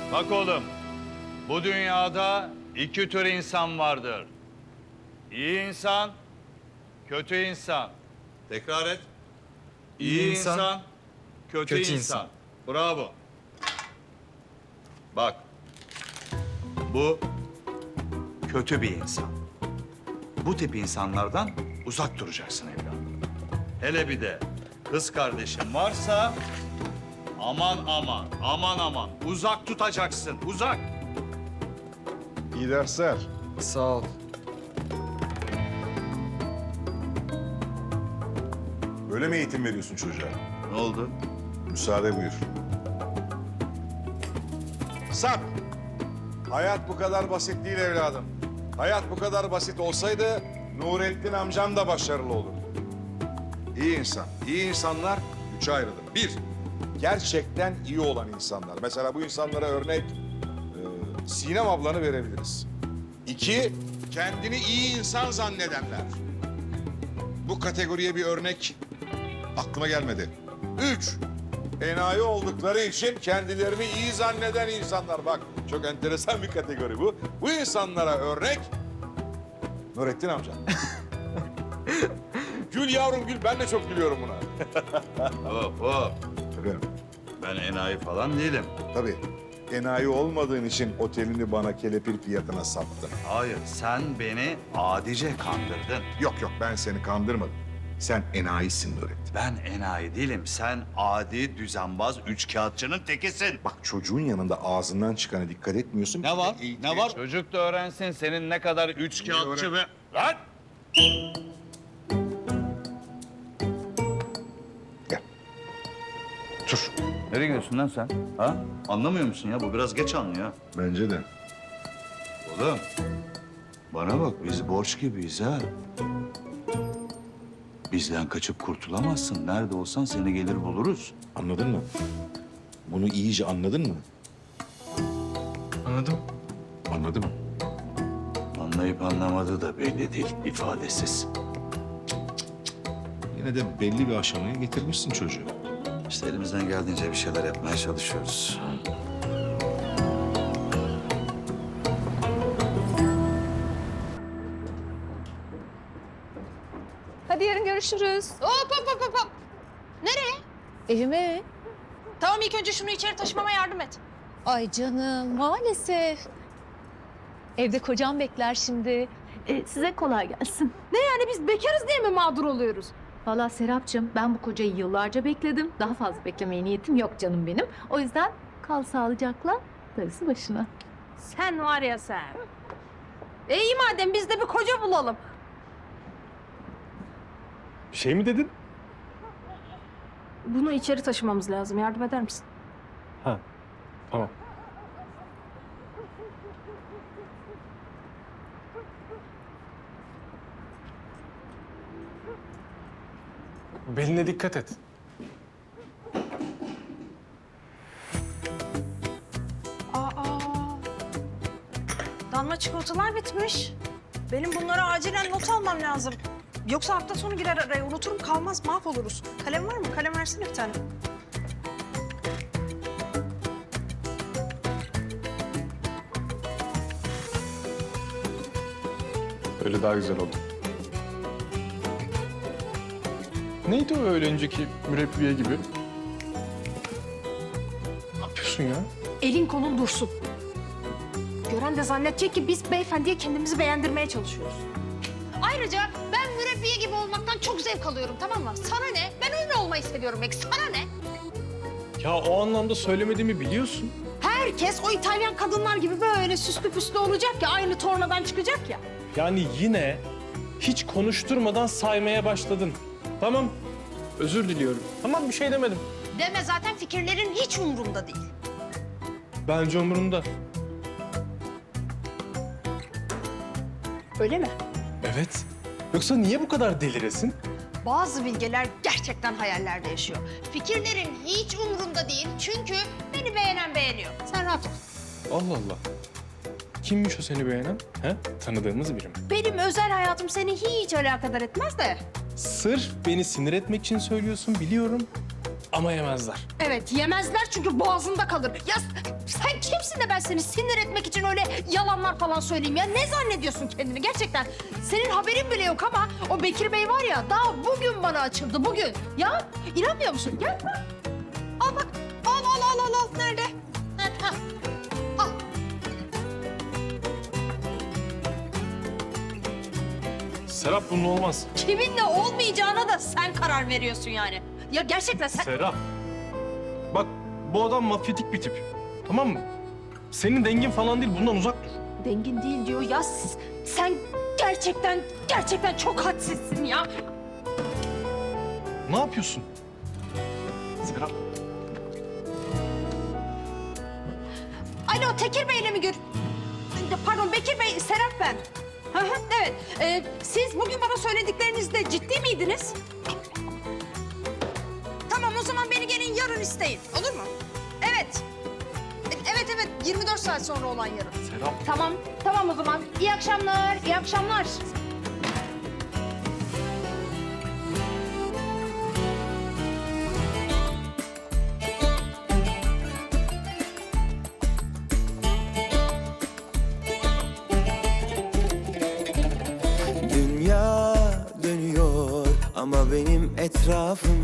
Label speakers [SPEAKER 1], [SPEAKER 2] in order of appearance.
[SPEAKER 1] Bak oğlum, bu dünyada iki tür insan vardır. İyi insan, kötü insan. Tekrar et. İyi insan, kötü insan. Bravo. Bak, bu kötü bir insan. Bu tip insanlardan uzak duracaksın evladım. Hele bir de kız kardeşin varsa aman aman, aman aman uzak tutacaksın, uzak.
[SPEAKER 2] İyi dersler.
[SPEAKER 3] Sağ ol.
[SPEAKER 2] Böyle mi eğitim veriyorsun çocuğa?
[SPEAKER 1] Ne oldu?
[SPEAKER 2] Müsaade buyur. Sarp! Hayat bu kadar basit değil evladım. Hayat bu kadar basit olsaydı Nurettin amcam da başarılı olurdu. İyi insan, iyi insanlar üçe ayrılır. Bir, gerçekten iyi olan insanlar. Mesela bu insanlara örnek Sinem ablanı verebiliriz. İki, kendini iyi insan zannedenler. Bu kategoriye bir örnek aklıma gelmedi. Üç, enayi oldukları için kendilerini iyi zanneden insanlar. Bak, çok enteresan bir kategori bu. Bu insanlara örnek Nurettin amca. Gül yavrum gül, ben de çok gülüyorum buna.
[SPEAKER 1] Hop hop.
[SPEAKER 2] Efendim,
[SPEAKER 1] Ben enayi falan değilim.
[SPEAKER 2] tabii enayi olmadığın için otelini bana kelepir fiyatına sattın.
[SPEAKER 1] Hayır, sen beni adice kandırdın.
[SPEAKER 2] Yok yok, ben seni kandırmadım. Sen enayisin Nurettin.
[SPEAKER 1] Ben enayi değilim. Sen adi, düzenbaz, üçkağıtçının tekisin.
[SPEAKER 2] Bak çocuğun yanında ağzından çıkana dikkat etmiyorsun.
[SPEAKER 1] Ne var?
[SPEAKER 2] Eğitime
[SPEAKER 1] Ne var? Çocuk da öğrensin senin ne kadar üçkağıtçı ve... Lan!
[SPEAKER 2] Gel. Dur.
[SPEAKER 1] Nereye gidiyorsun lan sen? Ha? Anlamıyor musun ya? Bu biraz geç anlıyor.
[SPEAKER 2] Bence de.
[SPEAKER 1] Oğlum, bana bak biz borç gibiyiz ha. Bizden kaçıp kurtulamazsın. Nerede olsan seni gelir buluruz.
[SPEAKER 2] Anladın mı? Bunu iyice anladın mı?
[SPEAKER 3] Anladım.
[SPEAKER 2] Anladım.
[SPEAKER 1] Anlayıp anlamadığı da belli değil, ifadesiz.
[SPEAKER 2] Yine de belli bir aşamaya getirmişsin çocuğu.
[SPEAKER 1] İşte elimizden geldiğince bir şeyler yapmaya çalışıyoruz.
[SPEAKER 4] Hadi yarın görüşürüz.
[SPEAKER 5] Hop hop hop hop hop. Nereye?
[SPEAKER 4] Evime.
[SPEAKER 5] Tamam ilk önce şunu içeri taşımama yardım et.
[SPEAKER 4] Ay canım maalesef. Evde kocam bekler şimdi. Size kolay gelsin.
[SPEAKER 5] Ne yani biz bekarız diye mi mağdur oluyoruz?
[SPEAKER 4] Vallahi Serapcığım ben bu kocayı yıllarca bekledim. Daha fazla beklemeye niyetim yok canım benim. O yüzden kal sağlıcakla, darısı başına.
[SPEAKER 5] Sen var ya sen. İyi madem biz de bir koca bulalım.
[SPEAKER 3] Bir şey mi dedin?
[SPEAKER 5] Bunu içeri taşımamız lazım. Yardım eder misin?
[SPEAKER 3] Ha, tamam. Beline dikkat et.
[SPEAKER 5] Aa. Damla çikolatalar bitmiş. Benim bunlara acilen not almam lazım. Yoksa hafta sonu girer araya. Unuturum kalmaz mahvoluruz. Kalem var mı? Kalem versene bir tane.
[SPEAKER 3] Öyle daha güzel oldu. Neydi o öyle önceki mürebbiye gibi? Ne yapıyorsun ya?
[SPEAKER 5] Elin kolun dursun. Gören de zannedecek ki biz beyefendiye kendimizi beğendirmeye çalışıyoruz. Ayrıca ben mürebbiye gibi olmaktan çok zevk alıyorum, tamam mı? Sana ne? Ben öyle olmayı seviyorum belki. Sana ne?
[SPEAKER 3] Ya o anlamda söylemediğimi biliyorsun.
[SPEAKER 5] Herkes o İtalyan kadınlar gibi böyle süslü püslü olacak ya, aynı tornadan çıkacak ya.
[SPEAKER 3] Yani yine hiç konuşturmadan saymaya başladın. Tamam, özür diliyorum. Tamam, bir şey demedim.
[SPEAKER 5] Deme, zaten fikirlerin hiç umurumda değil.
[SPEAKER 3] Bence umurumda.
[SPEAKER 5] Öyle mi?
[SPEAKER 3] Evet. Yoksa niye bu kadar deliresin?
[SPEAKER 5] Bazı bilgeler gerçekten hayallerde yaşıyor. Fikirlerin hiç umurumda değil çünkü beni beğenen beğeniyor. Sen rahat ol.
[SPEAKER 3] Allah Allah. Kimmiş o seni beğenen? He? Tanıdığımız biri mi?
[SPEAKER 5] Benim özel hayatım seni hiç alakadar etmez de.
[SPEAKER 3] Sırf beni sinir etmek için söylüyorsun biliyorum. Ama yemezler.
[SPEAKER 5] Evet, yemezler çünkü boğazında kalır. Ya sen kimsin misin de ben seni sinir etmek için öyle yalanlar falan söyleyeyim ya? Ne zannediyorsun kendini gerçekten? Senin haberin bile yok ama o Bekir Bey var ya daha bugün bana açıldı bugün. Ya inanmıyor musun? Gel bak. Al bak. Al. Nerede? Nerede? Ha. Al.
[SPEAKER 3] Serap bunun olmaz.
[SPEAKER 5] Kiminle olmayacağına da sen karar veriyorsun yani. Ya gerçekten sen...
[SPEAKER 3] Serap. Bak bu adam mafyatik bir tip. Tamam mı? Senin dengin falan değil, bundan uzak dur.
[SPEAKER 5] Dengin değil diyor ya. Sen gerçekten çok hadsizsin ya.
[SPEAKER 3] Ne yapıyorsun? Serap.
[SPEAKER 5] Alo Tekir Bey'le mi Pardon Bekir Bey, Serap ben. Hı hı, evet. Siz bugün bana söylediklerinizde ciddi miydiniz? Tamam o zaman beni gelin yarın isteyin. Olur mu? Evet. Evet 24 saat sonra olan yarın.
[SPEAKER 3] Serap.
[SPEAKER 5] Tamam o zaman. İyi akşamlar, iyi akşamlar.
[SPEAKER 6] Dünya dönüyor ama benim etrafım